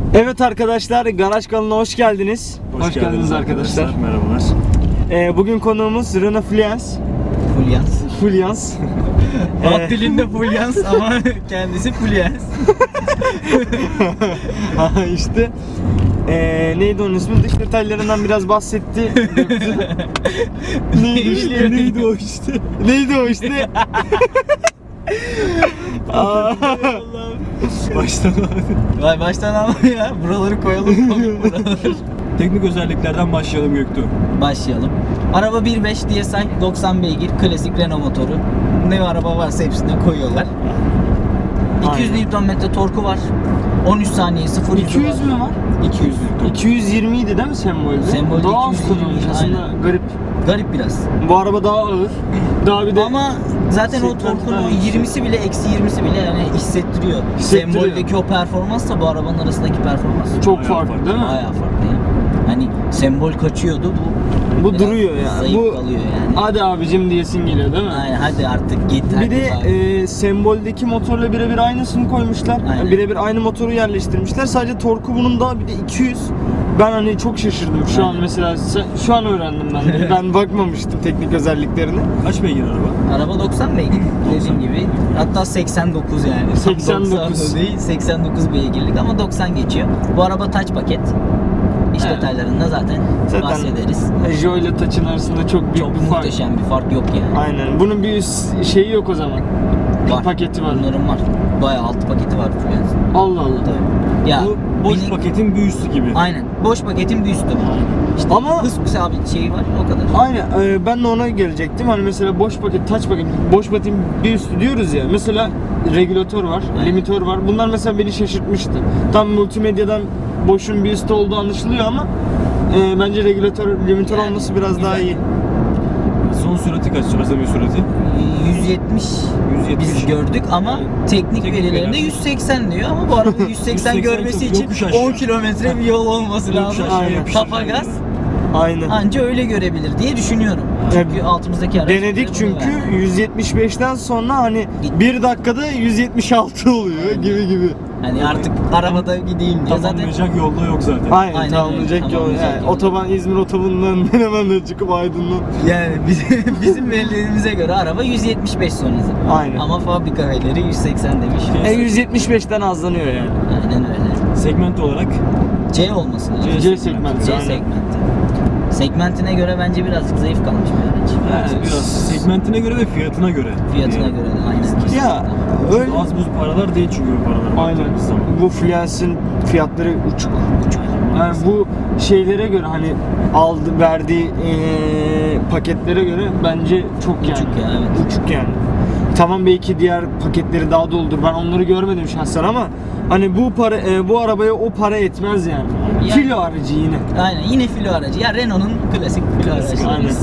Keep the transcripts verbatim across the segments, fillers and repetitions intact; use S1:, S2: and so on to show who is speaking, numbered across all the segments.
S1: Evet arkadaşlar, Garaj kanalına hoş geldiniz.
S2: Hoş, hoş geldiniz, geldiniz arkadaşlar. arkadaşlar. Merhabalar.
S1: Ee, bugün konuğumuz Renault Fluence.
S3: Fluence.
S1: Fluence.
S3: Halk dilinde Fluence ama kendisi Fluence.
S1: işte. Ee, neydi onun ismi? Dış detaylarından biraz bahsetti. neydi işte? Neydi o işte? Neydi o işte?
S2: Baştan abi.
S3: Vay baştan ama ya. Buraları koyalım. Buraları.
S2: Teknik özelliklerden başlayalım Göktuğ.
S3: Başlayalım. Araba bir beş D S I doksan beygir klasik Renault motoru. Ne araba varsa hepsine koyuyorlar. iki yüz Newton metre torku var. on üç saniye sıfır yüz
S1: iki yüz mü var?
S3: iki yüz.
S1: iki yüz yirmi idi değil mi sembolde?
S3: Sembolde
S1: daha az
S3: iki yüz yirmi,
S1: kullanılmış aslında,
S3: aynen.
S1: garip.
S3: Garip biraz.
S1: Bu araba daha ağır. Daha bir de
S3: ama zaten o torkun o yirmisi bile eksi yirmisi bile yani hissettiriyor.
S1: Hissettiriyor.
S3: Semboldeki o performansla bu arabanın arasındaki performans
S1: çok
S2: Bayağı
S1: farklı
S2: farklı.
S1: değil mi?
S3: bayağı farklı yani. Hani sembol kaçıyordu bu.
S1: Bu
S3: biraz
S1: duruyor yani.
S3: Zayıf
S1: Bu
S3: kalıyor yani.
S1: hadi abicim diyesin geliyor değil mi?
S3: Aynen hadi artık git.
S1: Bir
S3: hadi
S1: de
S3: bari.
S1: e, semboldeki motorla birebir aynısını koymuşlar.
S3: Aynen.
S1: Birebir aynı motoru yerleştirmişler. Sadece torku bunun daha bir de iki yüz. Ben hani çok şaşırdım şu
S3: Aynen.
S1: an mesela. Şu an öğrendim ben. de. Ben bakmamıştım teknik özelliklerine.
S2: Kaç beygir araba?
S3: Araba doksan beygir dediğim gibi. Hatta seksen dokuz yani.
S1: seksen dokuz.
S3: doksan değil, seksen dokuz beygirlik ama doksan geçiyor. Bu araba touch paket. İç
S1: Evet.
S3: detaylarında zaten,
S1: Zaten
S3: bahsederiz.
S1: Joe ile Touch'ın arasında çok büyük
S3: Çok
S1: bir fark.
S3: muhteşem bir fark yok yani.
S1: Aynen. Bunun bir üst şeyi yok o zaman.
S3: Var.
S1: Paketi var.
S3: Bunların var. Bayağı altı paketi var Fluence'ın.
S1: Allah Allah.
S3: Tabii. Ya
S2: Bu boş
S3: minik-
S2: paketin bir üstü gibi.
S3: Aynen. Boş paketin bir üstü. İşte
S1: Ama-
S3: hız sabit şeyi var o kadar.
S1: Aynen. e, ben de ona gelecektim. Hani mesela boş paket, touch paket, boş paketin bir üstü diyoruz ya. Mesela regülatör var,
S3: Aynen.
S1: limitör var. Bunlar mesela beni şaşırtmıştı. Tam multimedyadan boşun bir üstü olduğu anlaşılıyor ama e, bence regülatör, limitör
S3: Yani,
S1: olması biraz
S3: güzel.
S1: daha iyi.
S2: Son sürati kaç? Arada bir sürati.
S3: yüz yetmiş
S2: yüz yetmiş.
S3: biz gördük ama teknik,
S2: Teknik
S3: verilerinde
S2: veriler.
S3: yüz seksen diyor ama bu araba yüz seksen
S2: yüz seksen
S3: görmesi
S2: çok
S3: için
S2: yokuş aşağı.
S3: on kilometre bir yol olması
S2: Yokuş
S3: lazım.
S2: aşağı,
S1: Aynen.
S2: yokuş
S3: Kafa
S2: aşağı
S3: gaz
S2: gidiyor.
S1: Aynen.
S3: anca öyle görebilir diye düşünüyorum. Çünkü
S1: Evet.
S3: altımızdaki araç
S1: Denedik
S3: bize bunu
S1: çünkü
S3: verdi.
S1: yüz yetmiş beşten sonra hani bir dakikada yüz yetmiş altı oluyor gibi gibi.
S3: Hani artık arabada gideyim diye zaten
S2: Tamamlayacak yolda yok zaten.
S1: Aynen,
S3: Aynen
S1: tamamlayacak
S3: öyle,
S1: yol.
S3: tamamlayacak
S1: Yani
S3: yol.
S1: otoban İzmir otobanından hemen de çıkıp Aydın'dan.
S3: yani bizim, bizim verilerimize göre araba yüz yetmiş beş son hızı.
S1: Aynen.
S3: Ama fabrika verileri yüz seksen demiş.
S1: E yüz yetmiş beşten azlanıyor yani.
S3: Aynen öyle.
S2: Segment olarak
S3: C olması lazım.
S1: C segmenti.
S3: C
S1: aynen.
S3: segmenti. Segmentine göre bence birazcık zayıf kalmış bir araç.
S2: yani biraz segmentine göre ve fiyatına göre.
S3: Fiyatına
S2: Yani
S3: göre de aynı.
S1: Ya öyle.
S2: Az buz paralar değil çünkü bu paralar.
S1: Aynen.
S2: baktığımız zaman.
S1: Bu Fluence'in fiyatları uçuk. Yani
S2: Maalesef.
S1: bu şeylere göre hani aldı verdiği eee, paketlere göre bence çok yani.
S3: Uçuk ya, evet.
S1: Uçuk yani. Tamam belki diğer paketleri daha doldur. Ben onları görmedim şahsen ama hani bu para e, bu arabaya o para etmez yani.
S3: Yani-
S1: Filo aracı yine.
S3: Aynen yine filo aracı. Ya Renault'un klasik filo
S1: Klasik,
S3: aracı.
S1: aynen.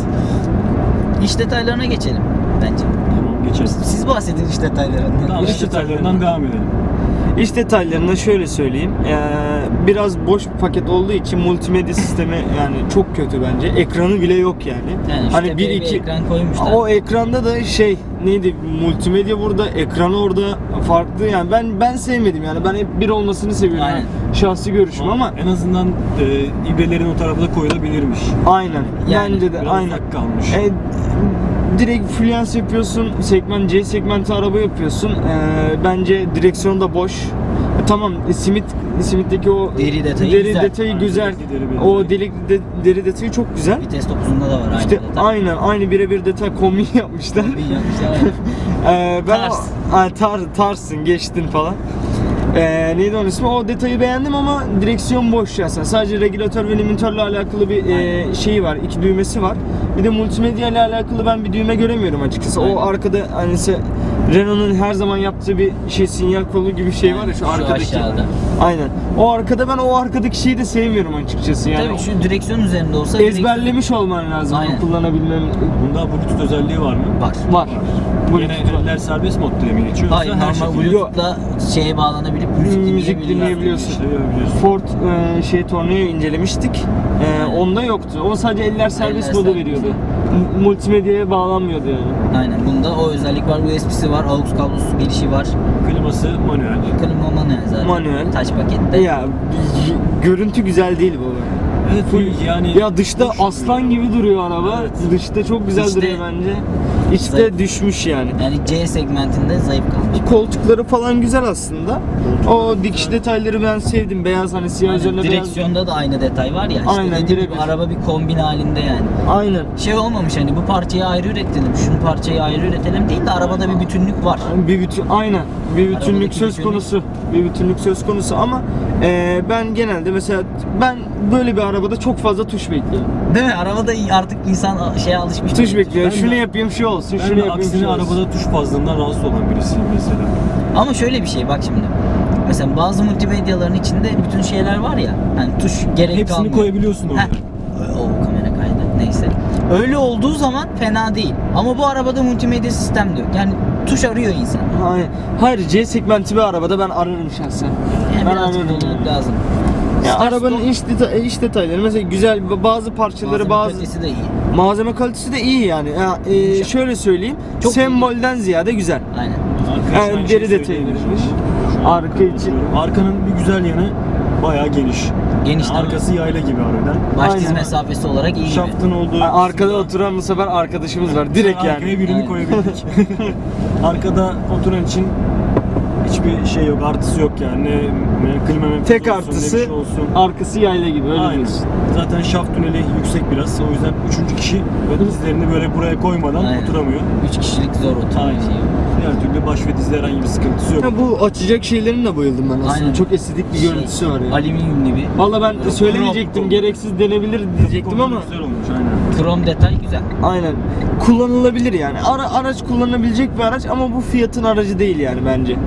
S3: İç detaylarına geçelim bence.
S2: Tamam geçeriz.
S3: Siz bahsedin iç detaylarından.
S2: Tamam, iç detaylarından devam edelim.
S1: İç detaylarına şöyle söyleyeyim. Ee, biraz boş bir paket olduğu için multimedya sistemi yani çok kötü bence. Ekranı bile yok yani.
S3: Yani şu
S1: hani
S3: tepeye
S1: bir
S3: bir
S1: iki
S3: ekran koymuşlar.
S1: o ekranda da şey neydi multimedya burada, ekranı orada farklı yani ben ben sevmedim yani ben hep bir olmasını seviyorum.
S3: Aynen.
S1: Yani şahsi görüşüm ama
S2: en azından e, ibrelerin o tarafa da koyulabilirmiş.
S1: aynen.
S3: Yani
S1: Bence de
S2: Biraz
S1: aynen.
S2: ufak kalmış.
S1: E, direkt Fluence yapıyorsun, segment C segmenti araba yapıyorsun. E, bence direksiyon da boş. E, tamam, e, simit simitteki o
S3: Deri detayı
S1: deri
S3: güzel.
S1: detayı
S2: Aynen,
S1: güzel.
S2: delikli deri bir
S1: O
S2: detay.
S1: delik de, deri detayı çok güzel.
S3: Vites topuzunda da var aynı
S1: İşte
S3: detay.
S1: aynen aynı birebir detay kombin yapmışlar.
S3: Bir yapmışlar.
S1: Ee, ben
S3: Tars.
S1: o, ha, tar, tarsın geçtin falan. Ee, neydi onun ismi? O detayı beğendim ama direksiyon boş ya. Sadece regülatör ve limitörle alakalı bir e, şeyi var. İki düğmesi var. Bir de multimedya ile alakalı ben bir düğme göremiyorum açıkçası.
S3: Aynen.
S1: O arkada hani se- Renault'un her zaman yaptığı bir şey sinyal kolu gibi bir şey var ya şu
S3: Şu
S1: arkadaki.
S3: aşağıda.
S1: Aynen. O arkada ben o arkadaki şeyi de sevmiyorum açıkçası yani.
S3: Tabii şu direksiyon üzerinde olsa
S1: Ezberlemiş olman lazım
S3: Aynen.
S1: bunu kullanabilmem.
S2: Bunda Bluetooth özelliği var mı?
S3: var.
S1: Var. Bu
S2: Yine eller serbest modda mı geçiyor?
S3: Hayır
S2: Yoksa her
S3: normal
S2: şekilde
S3: Bluetooth'la şeye bağlanabilip müzik,
S1: Müzik
S3: dinleyebiliyorsun.
S1: dinleyebiliyorsun.
S2: şey yapabiliyorsun.
S1: Ford e, şey Tornado incelemiştik. E,
S3: Aynen.
S1: onda yoktu. O sadece eller serbest
S3: Eller
S1: modu
S3: serbest.
S1: veriyordu. M- multimedyaya bağlanmıyordu yani.
S3: Aynen. Bunda o özellik var. U S B'si var. Aux kablosu girişi var.
S2: Kliması manuel.
S3: Klima manuel zaten.
S1: Manuel.
S3: Taş pakette.
S1: Ya y- görüntü güzel değil bu.
S2: Evet
S1: Full-
S2: yani
S1: Ya dışta
S2: hoş
S1: aslan
S2: duruyor.
S1: gibi duruyor araba.
S2: Evet.
S1: Dışta çok güzel
S3: İçte-
S1: duruyor bence. İçte
S3: Zayıf.
S1: düşmüş yani.
S3: Yani C segmentinde zayıf kalmış.
S1: Koltukları falan güzel aslında. O dikiş detayları ben sevdim. Beyaz hani siyah
S3: Aynen.
S1: üzerine beyaz.
S3: Direksiyonda da aynı detay var ya. İşte
S1: Aynen,
S3: dediğim gibi
S1: birebir.
S3: araba bir kombin halinde yani.
S1: Aynen.
S3: Şey olmamış hani bu parçayı ayrı üretelim, şunu parçayı ayrı üretelim değil de arabada bir bütünlük var.
S1: Bir bütün aynen bir bütünlük
S3: Arabadaki
S1: söz
S3: bütünlük.
S1: konusu. Bir bütünlük söz konusu ama e, ben genelde mesela ben böyle bir arabada çok fazla tuş bekliyorum.
S3: Değil mi? Arabada artık insan şeye alışmış.
S1: Tuş bekliyor.
S2: Ben
S1: Şunu
S2: de-
S1: yapayım şu olsun.
S2: Ben
S1: Şunu
S2: de
S1: yapayım
S2: aksine
S1: şu olsun.
S2: arabada tuş fazlalığından rahatsız olan birisiyim mesela.
S3: Ama şöyle bir şey bak şimdi. Mesela bazı multimedyaların içinde bütün şeyler var ya. Hani tuş gerek
S2: Hepsini
S3: kalmıyor.
S2: koyabiliyorsun orada.
S3: Heh. O kamera kaydı. Neyse. Öyle olduğu zaman fena değil. Ama bu arabada multimedya sistem de yok. Yani tuş arıyor insan.
S1: Hayır, hayır C segmenti bir arabada ben ararım şahsen.
S3: Yani
S1: ben
S3: birazcık
S1: ararım.
S3: doluluk lazım.
S1: Ya
S3: Start
S1: arabanın
S3: stop-
S1: iç, deta- iç detayları mesela güzel bazı parçaları
S3: malzeme
S1: bazı
S3: kalitesi de iyi.
S1: malzeme kalitesi de iyi yani. Ya, e,
S3: Yumuşak.
S1: şöyle söyleyeyim.
S3: Çok
S1: sembolden ziyade güzel.
S3: Aynen.
S2: Arka için
S1: Yani
S2: aynı
S1: deri
S2: şeyi
S1: detayı
S2: söyleyebilirim.
S1: verilmiş.
S2: Şu an
S1: Arka için.
S2: Arkanın bir güzel yanı bayağı geniş.
S3: Geniş
S2: Yani arkası yayla gibi harbiden.
S3: Baş diz
S1: Aynen.
S3: mesafesi olarak iyi gibi.
S2: Şaftın olduğu
S1: Ha, arkada
S2: kısımda-
S1: oturan bu sefer arkadaşımız var. Direkt yani.
S2: Arkaya birini
S3: Aynen.
S2: koyabildik. Arkada oturan için hiçbir şey yok, artısı yok yani. Ne, ne klima menfezi
S1: Tek
S2: olsun, ne
S1: artısı
S2: bir şey olsun.
S1: arkası yayla gibi öyle
S2: Aynen.
S1: diyorsun.
S2: Zaten şaft tüneli yüksek biraz. O yüzden üçüncü kişi böyle dizlerini böyle buraya koymadan
S3: Aynen.
S2: oturamıyor.
S3: Üç kişilik zor oturma
S2: Aynen.
S3: şey yok.
S2: Diğer türlü baş ve dizde herhangi bir sıkıntısı yok.
S1: Ya bu açacak şeylerin de bayıldım ben aslında.
S3: Aynen.
S1: Çok estetik bir
S3: Şey,
S1: görüntüsü var ya.
S3: Alüminyum gibi.
S1: Valla ben
S3: Böyle
S1: söylemeyecektim.
S3: krom-
S1: Gereksiz denebilir diyecektim ama
S2: Güzel olmuş aynen.
S3: Krom detay güzel.
S1: aynen. Kullanılabilir yani. Ara, araç kullanılabilecek bir araç ama bu fiyatın aracı değil yani bence.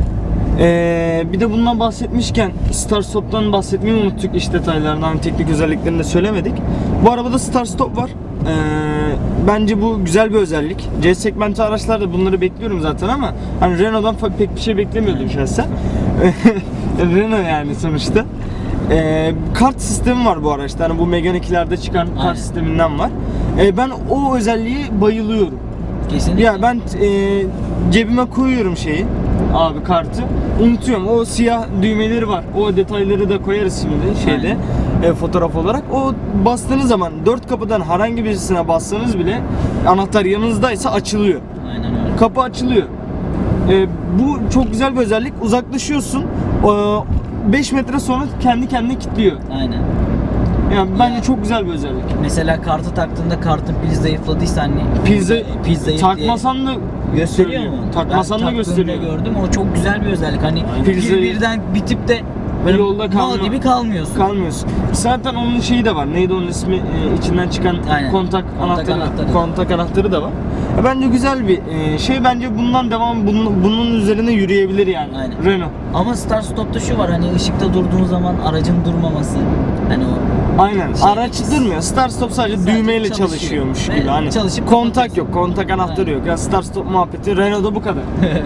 S1: Ee, bir de bundan bahsetmişken Start Stop'tan bahsetmeyi unuttuk, iş detaylarından, teknik özelliklerini de söylemedik. Bu arabada Start Stop var. Ee, bence bu güzel bir özellik. C segmenti araçlarda bunları bekliyorum zaten ama hani Renault'dan fa- pek bir şey beklemiyordum şahsen. Renault yani sonuçta. Ee, kart sistemi var bu araçta. Hani bu Megane ikilerde çıkan
S3: Aynen.
S1: kart sisteminden var. Ee, ben o özelliğe bayılıyorum.
S3: Kesinlikle.
S1: Ya ben e, cebime koyuyorum şeyi abi kartı, unutuyorum. O siyah düğmeleri var. O detayları da koyarız şimdi şeyde e, fotoğraf olarak. O bastığınız zaman dört kapıdan herhangi birisine bassanız bile anahtar yanınızdaysa açılıyor.
S3: Aynen öyle.
S1: Kapı açılıyor. E, bu çok güzel bir özellik. Uzaklaşıyorsun. beş metre sonra kendi kendine kilitliyor.
S3: Aynen.
S1: Yani bence
S3: Ya.
S1: çok güzel bir özellik.
S3: Mesela kartı taktığında kartın pili zayıfladıysa hani
S1: Pizza
S3: pil zayıf diye
S1: takmasan da
S3: gösteriyor mu?
S1: Takmasan
S3: Ben
S1: da gösteriyor.
S3: taktığımda gördüm. O çok güzel bir özellik. Hani
S2: Aynen.
S3: pil
S1: Pil zayıf.
S3: birden bitip de böyle
S1: Yolda
S3: mal
S1: kalmıyor.
S3: gibi kalmıyorsun.
S1: Kalmıyorsun. Zaten onun şeyi de var. Neydi onun ismi? Ee, içinden çıkan
S3: Aynen.
S1: kontak,
S3: Kontak
S1: anahtarı,
S3: anahtarı.
S1: kontak anahtarı da var. Ya bence güzel bir e, şey. Bence bundan devam bunun, bunun üzerine yürüyebilir yani.
S3: Aynen.
S1: Renault.
S3: Ama Start Stop'ta şu var hani ışıkta durduğun zaman aracın durmaması. Hani o
S1: Aynen.
S3: Şey-
S1: Araç durmuyor. Start stop sadece,
S3: Sadece
S1: düğmeyle
S3: çalışıyor.
S1: çalışıyormuş
S3: Ve
S1: gibi. Hani
S3: çalışıp
S1: kontak
S3: kapatıyorsun.
S1: yok, kontak anahtarı
S3: Aynen.
S1: yok. Ya start stop muhabbeti Renault'da bu kadar.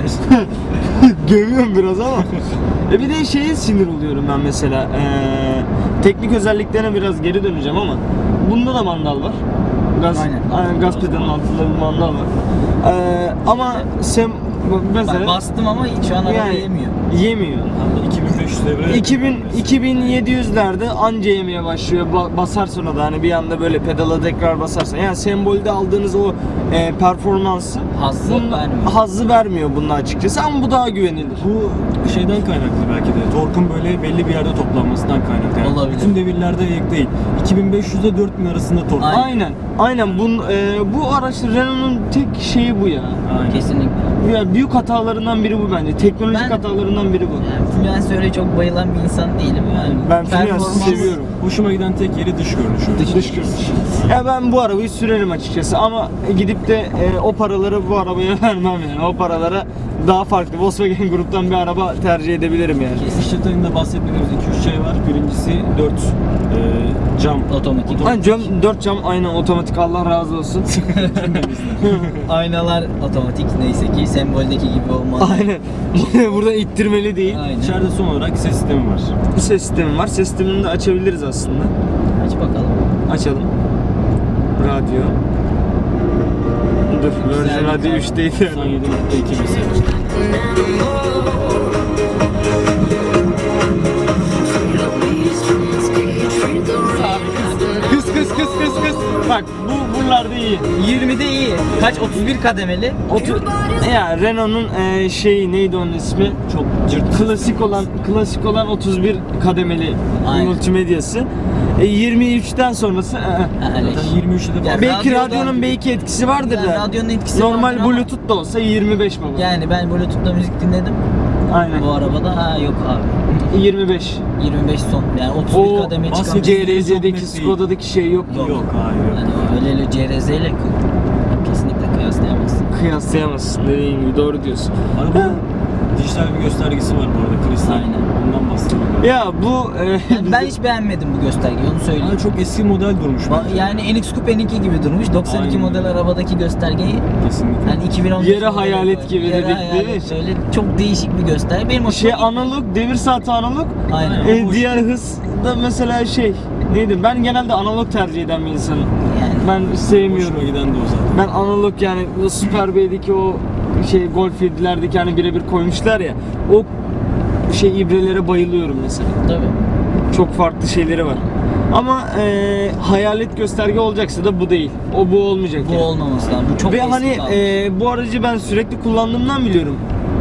S1: Gömüyorum biraz ama. E bir de şeye sinir oluyorum ben mesela. Ee, teknik özelliklerine biraz geri döneceğim ama bunda da mandal var. Gaz,
S3: Aynen.
S1: aynen, gaz pedalının altında bir mandal var. Ee, ama sen mesela
S3: Bak bastım ama şu an araba
S1: yani
S3: yemiyor.
S1: yemiyor.
S2: Hatta iki bin beş yüz devre.
S1: iki bin iki bin yedi yüzlerde anca yemeye başlıyor. Ba- basar sonra da hani bir anda böyle pedala tekrar basarsan. Yani sembolde aldığınız o e, performansı
S3: Hazzı
S1: bunda-
S3: vermiyor.
S1: hazzı vermiyor bunda açıkçası ama bu daha güvenilir.
S2: Bu şeyden kaynaklı belki de. Torkun böyle belli bir yerde toplanmasından kaynaklı. Yani
S3: Olabilir.
S2: bütün devirlerde yek değil. iki bin beş yüz ile dört bin arasında tork.
S3: Aynen.
S1: Aynen. Aynen. Bun, e, bu araç Renault'un tek şeyi bu ya.
S2: Aynen.
S3: Kesinlikle.
S1: Ya büyük hatalarından biri bu bence. Teknolojik
S3: Ben-
S1: hatalarından biri bu.
S3: Yani Fluence'e çok bayılan bir insan değilim yani.
S1: Ben Fluence'ı
S3: Performans-
S1: seviyorum.
S2: Hoşuma giden tek yeri dış görünüşü.
S3: Dış-
S1: Dış görünüş. Ya ben bu arabayı sürerim açıkçası ama gidip de e, o paraları bu arabaya vermem yani. O paralara daha farklı Volkswagen gruptan bir araba tercih edebilirim yani.
S2: Dış detayında bahsetmediğimiz iki üç şey var. Birincisi dört e, cam.
S3: Otomatik.
S1: Aynen cam, dört cam aynen otomatik, Allah razı olsun.
S3: Aynalar otomatik neyse ki semboldeki gibi olmalı.
S1: Aynen. Burada ittirmeli değil.
S3: Aynen.
S2: İçeride son olarak ses sistemi var.
S1: Bir ses sistemi var. Ses sistemini de açabiliriz aslında.
S3: Aç bakalım.
S1: Açalım. Radyo. Dur, Virgin
S3: Güzel bir
S1: hadi
S3: kar.
S1: üçteydi.
S2: doksan yedi nokta iki mesela.
S1: Kız kız kız kız kız. Bak bu buralarda iyi.
S3: yirmide iyi. Kaç? otuz bir kademeli.
S1: Otur. Ya Renault'un e, şeyi neydi onun ismi?
S2: Çok cırt.
S1: Klasik olan klasik olan otuz bir kademeli
S3: Aynen.
S1: multimedyası. E, yirmi üçten sonrası e, e.
S3: Ha, öyle.
S2: Zaten yirmi üçte de
S3: Ya
S2: falan.
S1: belki
S3: radyodan-
S1: radyonun belki etkisi vardır
S3: Yani
S1: da.
S3: radyonun etkisi
S1: Normal
S3: vardır ama-
S1: Bluetooth da olsa yirmi beş baba.
S3: Yani ben Bluetooth'ta müzik dinledim.
S1: Aynen.
S3: Bu arabada ha yok abi.
S1: yirmi beş.
S3: yirmi beş son. Yani otuz bir
S1: O
S3: kademe çıkan.
S2: bahsediğim-
S1: C R Z'deki
S2: Yok, net değil.
S1: Skoda'daki şey yok.
S3: Yok.
S2: Yok hayır.
S3: Yani öyle öyle C R Z ile kesinlikle kıyaslayamazsın.
S1: Kıyaslayamazsın dediğin gibi, doğru diyorsun.
S2: Arabanın dijital bir göstergesi var bu arada. Kristal.
S3: Aynen.
S2: Ondan bahsediyorum.
S1: Ya bu e,
S3: Yani ben hiç beğenmedim bu göstergeyi, onu söyleyeyim.
S2: Yani çok eski model durmuş
S3: Ba-
S2: bence.
S3: Yani N X Coupe N iki gibi durmuş. doksan iki
S2: Aynen.
S3: model arabadaki göstergeyi
S2: Kesinlikle.
S3: yani iki bin on beş
S1: Yere
S3: modeli
S1: hayalet
S3: koy.
S1: gibi
S3: Yere
S1: dedik, değil
S3: hayalet,
S1: mi?
S3: Öyle çok değişik bir gösterge. Benim hoşuma
S1: şey
S3: gitti.
S1: analog, devir saati analog.
S3: Aynen.
S1: E,
S2: Hoş.
S1: diğer hız da mesela şey neydi? Ben genelde analog tercih eden bir insanım.
S3: Yani.
S1: Ben sevmiyorum.
S2: Hoşuma giden de o zaten.
S1: Ben analog, yani o Super B'deki o şey Golf yedilerdeki hani birebir koymuşlar ya, o şey ibrelere bayılıyorum mesela.
S3: Tabii.
S1: Çok farklı şeyleri var. Ama e, hayalet gösterge olacaksa da bu değil. O bu olmayacak.
S3: Bu
S1: yani.
S3: olmaması lazım. Bu çok
S1: Ve
S3: eski
S1: hani
S3: kalmış.
S1: e, bu aracı ben sürekli kullandığımdan biliyorum.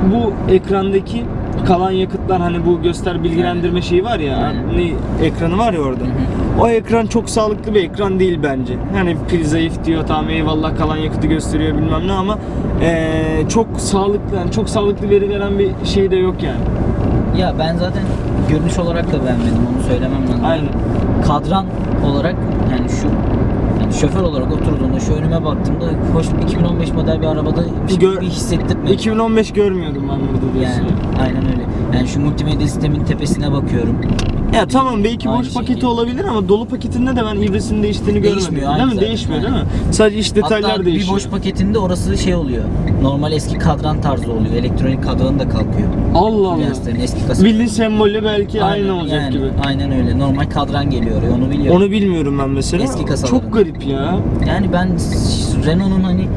S1: Bu ekrandaki kalan yakıtlar, hani bu göster bilgilendirme şeyi var ya,
S3: Aynen.
S1: ne ekranı var ya orada. O ekran çok sağlıklı bir ekran değil bence. Hani pil zayıf diyor, tamam eyvallah, kalan yakıtı gösteriyor bilmem ne, ama e, çok sağlıklı, yani çok sağlıklı veri veren bir şey de yok yani.
S3: Ya ben zaten görünüş olarak da beğenmedim, onu söylemem lazım.
S1: Aynen.
S3: Kadran olarak yani şu yani şoför olarak oturduğunda şu önüme baktığımda hoş iki bin on beş model bir arabada bir şey
S1: Gör-
S3: bir hissettirmedi.
S1: iki bin on beş görmüyordum ben burada diyorsun.
S3: Yani aynen öyle. Yani şu multimedya sistemin tepesine bakıyorum.
S1: Ya tamam, belki
S3: Aynı
S1: boş paketi
S3: şekilde.
S1: olabilir ama dolu paketinde de ben ibresinin değiştiğini görmedim.
S3: Değişmiyor, aynı
S1: Değil mi?
S3: zaten.
S1: Değişmiyor
S3: Aynen.
S1: değil mi? Sadece iç detaylar
S3: Hatta
S1: değişiyor.
S3: bir boş paketinde orası şey oluyor. Normal eski kadran tarzı oluyor. Elektronik kadranı da kalkıyor.
S1: Allah Allah.
S3: Lenslerin eski kasası.
S1: Bildiğin sembolü belki aynı olacak
S3: yani,
S1: gibi.
S3: Aynen öyle. Normal kadran geliyor oraya, onu biliyorum.
S1: Onu bilmiyorum ben mesela.
S3: Eski kasaların.
S1: Çok garip ya.
S3: Yani ben Renault'un hani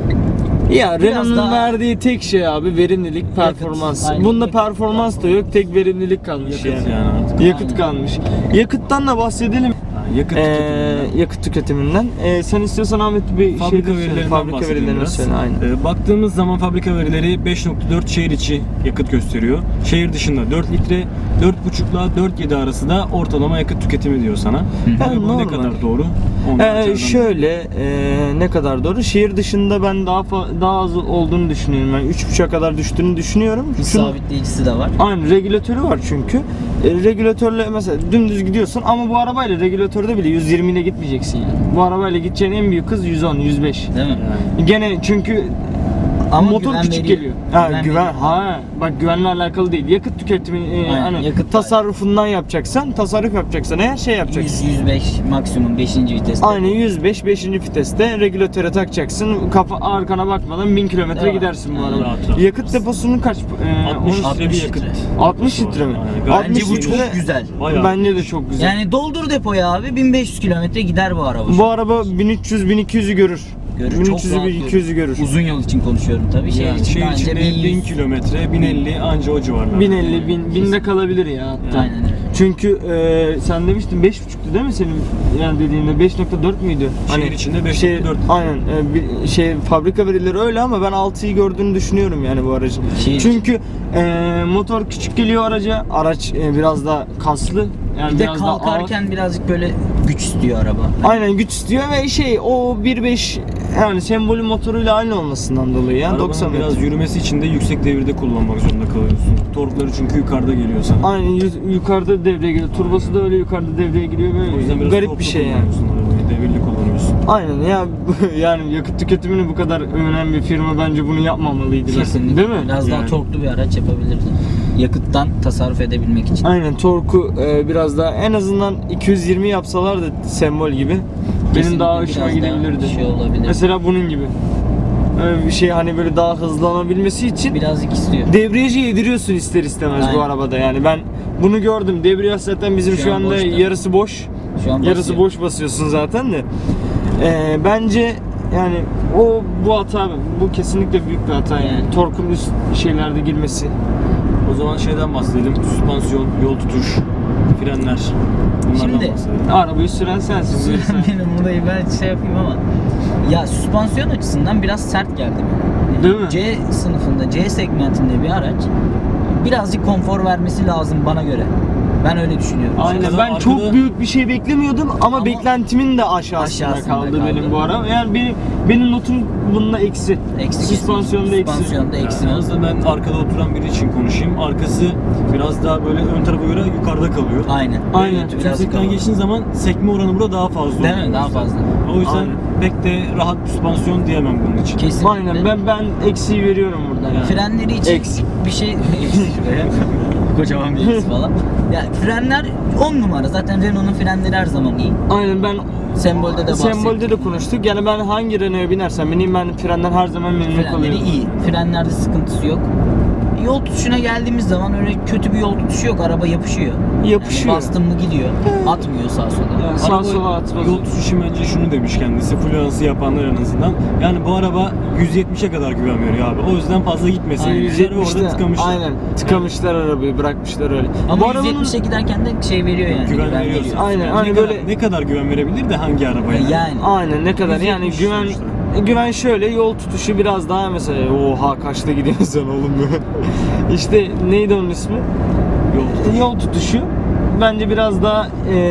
S1: Ya
S3: Biraz
S1: Renault'un
S3: daha-
S1: verdiği tek şey abi verimlilik, performans.
S3: aynen.
S1: Bunda
S3: Yakıt.
S1: performans da yok, tek verimlilik kalmış
S2: Yakıt
S1: yani.
S2: yani artık.
S1: Yakıt
S3: Aynen.
S1: kalmış. Yakıttan da bahsedelim.
S2: Ha, yakıt
S1: Ee,
S2: tüketiminden.
S1: yakıt tüketiminden. Ee, sen istiyorsan Ahmet bir
S2: Fabrika
S1: şey de söyle.
S2: verilerinden
S1: Fabrika
S2: bahsedeyim
S1: verilerini
S2: biraz.
S1: söyle. Aynen.
S2: Ee, baktığımız zaman fabrika verileri beş nokta dört şehir içi yakıt gösteriyor. Şehir dışında dört litre, dört buçuk ile dört virgül yedi arası da ortalama yakıt tüketimi diyor sana. Tabii bu ne
S1: normal.
S2: kadar doğru? Onu da
S1: Ee,
S2: açardan-
S1: şöyle e, ne kadar doğru? Şehir dışında ben daha fa- daha az olduğunu düşünüyorum. Ben üç buçuğa kadar düştüğünü düşünüyorum.
S3: hız
S1: Şunu-
S3: sabitleyicisi de var.
S1: Aynen, regülatörü var çünkü. E, regülatörle mesela dümdüz gidiyorsun ama bu arabayla regülatörde bile yüz yirmi ile gitmeyeceksin yani. Bu arabayla gideceğin en büyük hız yüz on, yüz beş.
S3: Değil mi?
S2: Yani.
S1: Gene çünkü
S3: Ama
S1: motor
S3: güven
S1: küçük
S3: veriyor.
S1: geliyor. Ha,
S3: Güven
S1: güven,
S3: veriyor.
S1: ha bak, güvenle alakalı değil. Yakıt tüketimi e,
S3: Aynen,
S1: hani
S3: yakıt
S1: tasarrufundan yapacaksan, tasarruf yapacaksan eğer şey yapacaksın.
S3: yüz yüz beş maksimum beşinci viteste.
S1: Aynen yüz beş, beşinci viteste regülatöre takacaksın. Kafa arkana bakmadan bin kilometre
S3: Değil mi?
S1: gidersin bu
S3: Aynen.
S1: araba.
S2: Rahat rahat.
S1: Yakıt deposunun kaç? E,
S2: altmış
S1: onu-
S2: litre bir yakıt.
S1: altmış litre mi?
S2: Yani
S1: altmış
S3: Bence bu
S1: litre
S3: çok güzel.
S2: Bayağı.
S1: Bence de çok güzel.
S3: Yani doldur depoya abi bin beş yüz kilometre gider bu araba.
S1: Bu araba bin üç yüz bin iki yüzü görür.
S3: Görür,
S1: bin
S3: çok
S1: üç yüzü
S3: rahat
S1: bin iki yüzü görür.
S3: Uzun yol için konuşuyorum tabii. Şehir
S2: Yani
S3: için
S2: şehir
S3: anca
S2: içinde
S3: bin yüz.
S2: bin kilometre, bin elli anca o civarlarda.
S1: bin elli, bin, binde kalabilir ya hatta.
S3: Aynen öyle.
S1: Çünkü e, sen demiştin beş buçuktu değil mi senin yani dediğinde, beş nokta dört müydü?
S2: Şehir içinde beş
S1: şey,
S2: nokta dört.
S1: Aynen e, bir, şey fabrika verileri öyle ama ben altıyı gördüğünü düşünüyorum yani bu aracın.
S3: Şehir
S1: Çünkü e, motor küçük geliyor araca, araç e, biraz da kaslı. Yani
S3: Bir de
S1: biraz daha ağır.
S3: kalkarken birazcık böyle güç istiyor araba.
S1: Aynen güç istiyor ve şey o bir nokta beş yani sembolü motoruyla aynı olmasından dolayı ya
S2: Arabanın
S1: doksan
S2: biraz
S1: metre.
S2: yürümesi için de yüksek devirde kullanmak zorunda kalıyorsun. Torkları çünkü yukarıda geliyor sana.
S1: Aynen yu- yukarıda devreye giriyor. Turbosu da öyle yukarıda devreye giriyor
S2: O yüzden
S1: böyle
S2: biraz
S1: garip
S2: torklu
S1: bir şey yani.
S2: kullanıyorsun arabayı, devirli kullanıyorsun.
S1: Aynen ya yani yakıt tüketimini bu kadar övünen bir firma bence bunu yapmamalıydı.
S3: Kesinlikle.
S1: Değil mi?
S3: Biraz daha
S2: Yani.
S3: torklu bir araç yapabilirdi. Yakıttan tasarruf edebilmek için.
S1: Aynen torku e, biraz daha en azından iki yüz yirmi yapsalar da sembol gibi benim
S3: Kesinlikle
S1: daha hoşuma
S3: biraz daha
S1: gidebilirdi.
S3: şey olabilir.
S1: Mesela bunun gibi. Öyle bir şey hani böyle daha hızlanabilmesi için
S3: Birazcık istiyor.
S1: debriyajı yediriyorsun ister istemez bu
S3: Aynen.
S1: arabada yani ben bunu gördüm. Debriyaj zaten bizim şu,
S3: Şu an
S1: anda
S3: boşta.
S1: yarısı boş.
S3: Şu an
S1: Yarısı
S3: basıyor.
S1: boş basıyorsun zaten de. Ee, bence yani o bu hata bu kesinlikle büyük bir hata yani.
S3: Yani.
S1: Torkun üst şeylerde girmesi.
S2: O zaman şeyden bahsedelim. Süspansiyon, yol tutuş, frenler. Bunlardan
S3: Şimdi-
S2: bahsedelim.
S1: Arabayı süren sensin. Buyur sen.
S3: Benim buradayı ben şey yapayım ama ya süspansiyon açısından biraz sert geldi bana.
S1: Değil mi?
S3: C sınıfında, C segmentinde bir araç birazcık konfor vermesi lazım bana göre. Ben öyle düşünüyorum.
S1: Aynen
S2: Arkada-
S1: ben
S2: arkada-
S1: çok büyük bir şey beklemiyordum ama,
S3: Ama
S1: beklentimin de aşağısında,
S3: aşağısında
S1: kaldı,
S3: kaldı.
S1: benim bu ara. Yani benim benim notum bununla eksi.
S3: Eksi
S1: Süspansiyonda eksi.
S3: Süspansiyonda eksi.
S2: Yani aslında ben arkada oturan biri için konuşayım. Arkası biraz daha böyle ön tarafa göre yukarıda kalıyor.
S3: Aynen.
S1: Aynen.
S3: Evet, biraz
S2: Tümsekten
S3: kalın.
S2: geçtiğin zaman sekme oranı burada daha fazla
S3: Değil
S2: oluyor.
S3: mi? Daha fazla.
S2: O yüzden
S1: Aynen.
S2: pek de rahat bir süspansiyon diyemem bunun için.
S3: Kesinlikle.
S1: Aynen ben ben eksiği veriyorum burada. Yani.
S3: Frenleri için
S1: Eksi.
S3: bir şey şuraya kocaman bir eksi falan. Ya frenler on numara. Zaten Renault'un frenleri her zaman iyi.
S1: Aynen ben
S3: Sembolde de bahsettik.
S1: Sembolde de konuştuk. Yani ben hangi Renault'a binersem bineyim ben frenden her zaman memnun
S3: Frenleri
S1: kalıyorum.
S3: iyi. Frenlerde sıkıntısı yok. Yol tutuşuna geldiğimiz zaman öyle kötü bir yol tutuşu yok. Araba yapışıyor.
S1: Yapışıyor.
S3: Yani bastın mı gidiyor. Atmıyor sağa sola.
S1: Yani sağa
S2: Araba
S1: sola atmaz.
S2: Yol tutuşu bence şunu demiş kendisi, fluansı yapanlar en azından. Yani bu araba yüz yetmişe kadar güven veriyor abi. O yüzden fazla gitmesin.
S3: Aynen.
S2: yüz yetmişte orada tıkamışlar.
S1: Aynen. Tıkamışlar arabayı, bırakmışlar öyle.
S3: Ama
S1: bu
S3: yüz
S1: arabanın
S3: yetmişe giderken de şey veriyor yani.
S2: Güven veriyorsun.
S3: veriyor.
S1: Aynen,
S2: Yani
S1: hani
S2: ne
S1: böyle-
S2: kadar, ne kadar güven verebilir de hangi arabaya?
S3: Yani.
S1: aynen ne kadar
S2: yüz
S1: yani
S2: yetmiş
S1: güven
S2: sonuçta.
S1: güven şöyle yol tutuşu biraz daha mesela oha kaçta gidiyorsun sen oğlum böyle. İşte neydi onun ismi?
S2: Yol tutuşu.
S1: Yol tutuşu bence biraz daha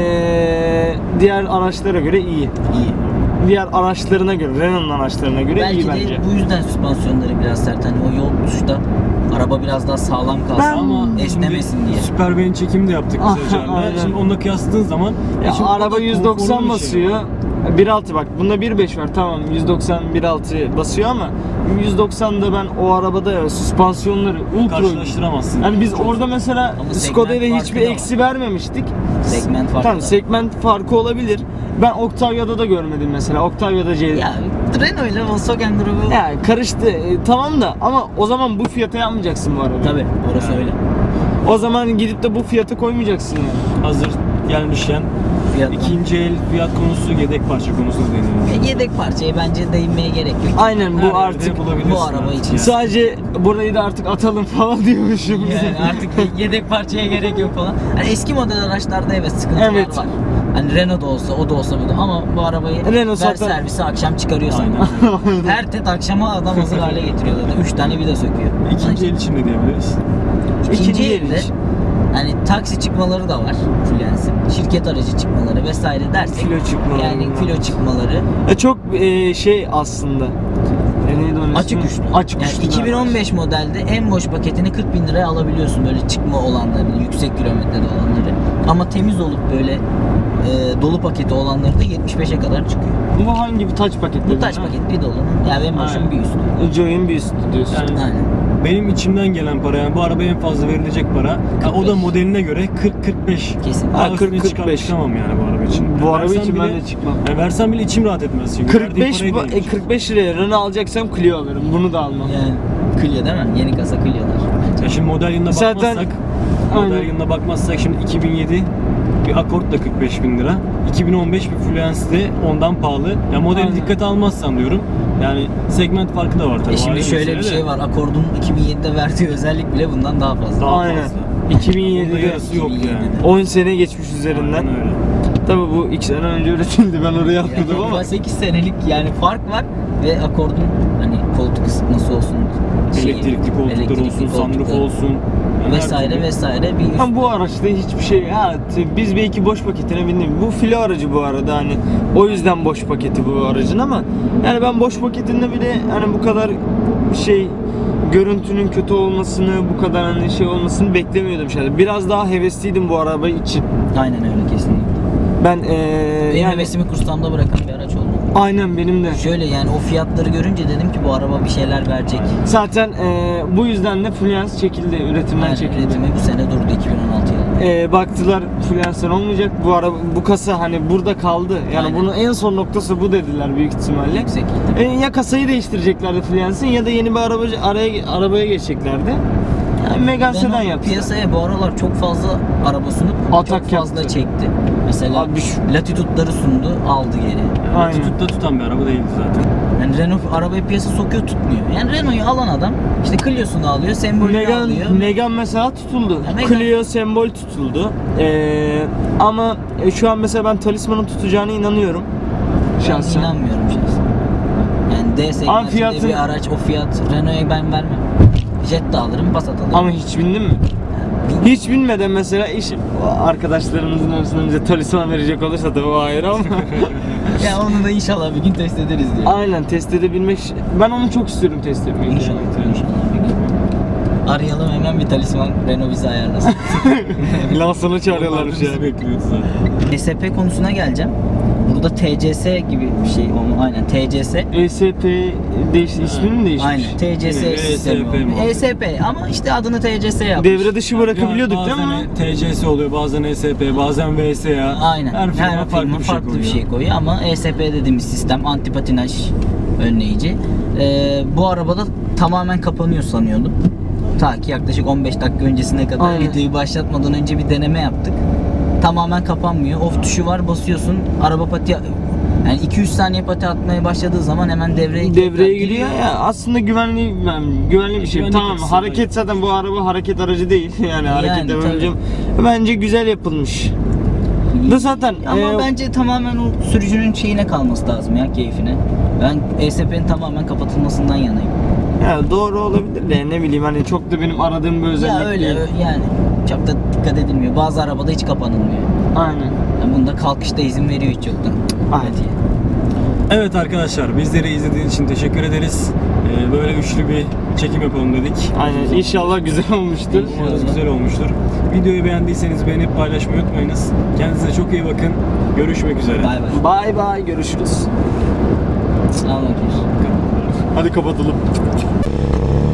S1: eee, diğer araçlara göre iyi.
S3: İyi.
S1: Diğer araçlarına göre, Renault'un araçlarına göre
S3: Belki
S1: iyi
S3: de
S1: bence.
S3: bu yüzden süspansiyonları biraz sert. Hani o yol tutuşta araba biraz daha sağlam kalsın
S1: Ben-
S3: ama esnemesin
S2: Şimdi
S3: diye.
S2: Süper beyin çekimi de yaptık
S1: Ah,
S2: kısaca.
S1: aynen.
S2: Şimdi onunla kıyasladığın zaman
S1: Ya
S2: şimdi o da
S1: araba
S2: konforlu
S1: yüz doksan
S2: bir şey.
S1: basıyor. bir altı bak bunda bir beş var tamam yüz doksan bir altı basıyor ama yüz doksanda ben o arabada ya süspansiyonları ultra
S2: Karşılaştıramazsın.
S1: yani biz orada mesela
S3: Ama
S1: Skoda'da
S3: segment
S1: hiçbir
S3: farkı da
S1: eksi vermemiştik.
S3: Segment farkı
S1: Tamam
S3: da.
S1: segment farkı olabilir. Ben Octavia'da da görmedim mesela. Octavia'da C.
S3: Ya Renault ile Volkswagen grubu.
S1: Ya karıştı. E, tamam da ama o zaman bu fiyata yapmayacaksın bu arabayı.
S3: Tabii orası
S2: Yani.
S3: öyle.
S1: O zaman gidip de bu fiyata koymayacaksın yani.
S2: Hazır gelmişken
S3: Fiyat.
S2: ikinci el fiyat konusu, yedek parça konusu deniyor.
S3: Ya Yedek parçaya bence değinmeye gerek yok.
S1: Aynen
S2: Her
S1: bu
S2: yerde
S1: artık
S2: bulabilirsin
S3: bu araba
S2: artık
S3: için.
S2: yani.
S1: sadece burayı da artık atalım falan diyormuşum.
S3: Yani artık yedek parçaya gerek yok falan. Hani eski model araçlarda evet sıkıntılar
S1: Evet.
S3: var. Hani Renault da olsa o da olsa bu da ama bu arabayı
S1: Renault
S3: ver
S1: zaten-
S3: servise akşam çıkarıyorsan.
S2: Aynen.
S3: Her tet akşama adam hazır hale getiriyor zaten. Üç tane vida söküyor.
S2: İkinci el için ne diyebiliriz?
S3: İkinci
S1: İkinci el
S3: elde
S1: için.
S3: hani taksi çıkmaları da var Fluence'in. Şirket aracı çıkmaları vesaire dersek.
S1: Filo çıkmaları
S3: Yani
S1: var.
S3: filo çıkmaları.
S1: E, çok e, şey aslında. E, neydi onun
S3: Açık
S1: ismi?
S3: uçlu.
S1: Açık
S3: Yani
S1: uçlu.
S3: iki bin on beş modelde en boş paketini kırk bin liraya alabiliyorsun böyle çıkma olanlarını, yüksek kilometrede olanları. Ama temiz olup böyle e, dolu paketi olanları da yetmiş beşe kadar çıkıyor.
S1: Bu hangi bir taç paketi?
S3: Bu taş paket bir dolunun yani en boşun
S1: Aynen.
S3: bir üstü.
S1: Joy'un bir üstü diyorsun.
S2: Yani
S3: Aynen.
S2: benim içimden gelen para yani bu arabaya en fazla verilecek para. Ha, o da
S3: kırk beş.
S2: modeline göre kırk kırk beş.
S3: Kesin.
S2: Daha
S1: Ha, kırk,
S2: üstüne çıkar-
S1: kırk beş.
S2: çıkamam yani bu araba için.
S1: Bu
S2: Yani
S1: araba
S2: versem
S1: için ben
S2: bile-
S1: de çıkmam.
S2: Yani versem bile içim rahat etmez çünkü.
S1: kırk
S2: Verdiğim
S1: beş
S2: paraya
S1: bu- e,
S2: değmiş.
S1: kırk beş liraya Renault alacaksam Clio alırım. Bunu da almam.
S3: Yani Clio değil mi? Yeni kasa Clio'lar.
S2: Ya şimdi model yılına
S1: Zaten-
S2: bakmazsak, model
S1: Aynen.
S2: yılına bakmazsak şimdi iki bin yedi bir Accord da kırk beş bin lira. iki bin on beş bir Fluence de ondan pahalı. Ya modeli
S1: Aynen.
S2: dikkate almazsan diyorum. Yani segment farkı da var tabii.
S3: E şimdi
S2: ayrı
S3: şöyle bir
S2: mesele de.
S3: şey var. Accord'un iki bin yedide verdiği özellik bile bundan daha fazla.
S2: Daha
S1: Aynen.
S2: fazla.
S1: iki bin
S2: Bunda
S1: yedide
S2: yarısı yok yani.
S1: on sene geçmiş üzerinden.
S2: Aynen öyle.
S1: Tabii bu iki sene önce üretildi. Ben oraya atladım
S3: Yani
S1: ama.
S3: sekiz senelik yani fark var ve Accord'un hani koltuk ısıtması olsun, şeyi,
S2: Elektrikli koltuklar
S3: elektrikli
S2: olsun, sunroof
S3: koltuklar
S2: olsun. Yani her
S3: vesaire
S2: türlü.
S3: vesaire bir üst.
S1: Ama bu araçta hiçbir şey ya t- biz belki boş paketine bindik. Bu filo aracı bu arada hani o yüzden boş paketi bu aracın ama yani ben boş paketinde bile hani bu kadar şey görüntünün kötü olmasını bu kadar hani şey olmasını beklemiyordum şöyle. Biraz daha hevesliydim bu araba için.
S3: Aynen öyle kesinlikle.
S1: Ben ee,
S3: Benim
S1: yani
S3: hevesimi kursağımda bırakan bir araç oldu.
S1: aynen benim de.
S3: Şöyle yani o fiyatları görünce dedim ki bu araba bir şeyler verecek.
S1: Zaten ee, bu yüzden de Fluence çekildi, üretimden
S3: Aynen,
S1: çekildi.
S3: üretimi bu sene durdu iki bin on altı yılında.
S1: Ee, baktılar Fluence'den olmayacak. Bu araba bu kasa hani burada kaldı. Yani
S3: Aynen.
S1: bunun en son noktası bu dediler büyük ihtimalle.
S3: Yüksek
S1: E, ya kasayı değiştireceklerdi Fluence'in ya da yeni bir arabacı araya arabaya geçeceklerdi. Yani Megane sedan
S3: Renault
S1: yaptılar.
S3: piyasaya bu aralar çok fazla araba sunup
S1: Atak
S3: çok fazla
S1: yaptı.
S3: çekti. Mesela
S1: Abi şu-
S3: Latitude'ları sundu, aldı geri.
S1: Aynen.
S2: Tututta tutan bir araba değildi zaten.
S3: Yani Renault arabayı piyasa sokuyor, tutmuyor. Yani Renault'u alan adam işte Clio'sunu alıyor, sembolünü alıyor.
S1: Megane, Megane mesela tutuldu.
S3: Ya Megane-
S1: Clio sembol tutuldu. Ee, ama e, şu an mesela ben Talisman'ın tutacağına inanıyorum.
S3: Ben
S1: Şahsen.
S3: inanmıyorum şahsen. Yani D segmentinde
S1: fiyatı-
S3: bir araç, o fiyat Renault'a ben vermem. Jet de alırım, Passat alırım.
S1: Ama hiç bindin mi? Hiç binmeden mesela iş arkadaşlarımızın arasında bize Talisman verecek olursa tabii o ayrı ama
S3: Ya onu da inşallah bir gün test ederiz diye.
S1: aynen test edebilmek, ben onu çok istiyorum test etmeyi.
S3: İnşallah, inşallah bir gün. Arayalım hemen bir talisman Renault bizi ayarlasın.
S1: Lansana çağırıyorlarmış
S2: Bizi
S1: ya.
S2: bekliyordu zaten.
S3: E S P konusuna geleceğim. Burada T C S gibi bir şey olma. Aynen T C S.
S1: E S P değiş, ismini mi değişmiş?
S3: Aynen T C S
S2: Yine
S3: sistemi
S2: E S P
S3: olmuş.
S2: mi?
S3: E S P ama işte adını T C S yapmış.
S1: Devre dışı bırakabiliyorduk
S2: Ya
S1: değil mi?
S2: bazen T C S oluyor, bazen E S P, bazen V S A.
S3: Aynen.
S2: Her firma farklı,
S3: firma
S2: bir, şey
S3: farklı bir
S2: koyuyor.
S3: şey koyuyor ama E S P dediğimiz sistem anti patinaj önleyici. Ee, bu arabada tamamen kapanıyor sanıyordum. Ta ki yaklaşık on beş dakika öncesine kadar
S1: Aynen.
S3: videoyu başlatmadan önce bir deneme yaptık. Tamamen kapanmıyor. Off tuşu var, basıyorsun. Araba pati yani iki üç saniye pati atmaya başladığı zaman hemen devreye
S1: Devreye giriyor ya, aslında güvenli yani güvenli bir şey.
S2: Güvenlik
S1: Tamam,
S2: açısından.
S1: hareket zaten bu araba hareket aracı değil yani, hareket
S3: tabii.
S1: demeyeceğim. Bence güzel yapılmış. Da zaten
S3: Ama
S1: e,
S3: bence tamamen o sürücünün şeyine kalması lazım ya, keyfine. Ben E S P'nin tamamen kapatılmasından yanayım.
S1: ya doğru olabilir de ne bileyim hani çok da benim aradığım bir özellik
S3: Ya öyle
S1: değil.
S3: ö- yani çok da dikkat edilmiyor. Bazı arabada hiç kapanılmıyor.
S1: Aynen.
S3: Yani bunda kalkışta izin veriyor hiç yoktan.
S1: Aynen.
S3: Hadi.
S2: Evet arkadaşlar, bizleri izlediğiniz için teşekkür ederiz. Ee, böyle üçlü bir çekim yapalım dedik.
S1: Aynen. İnşallah güzel olmuştur.
S2: Umarız güzel olmuştur. Videoyu beğendiyseniz beğenip paylaşmayı unutmayınız. Kendinize çok iyi bakın. Görüşmek üzere.
S3: Bay bay.
S1: Bay bay, görüşürüz.
S3: Sağ olun.
S1: Hadi kapatalım.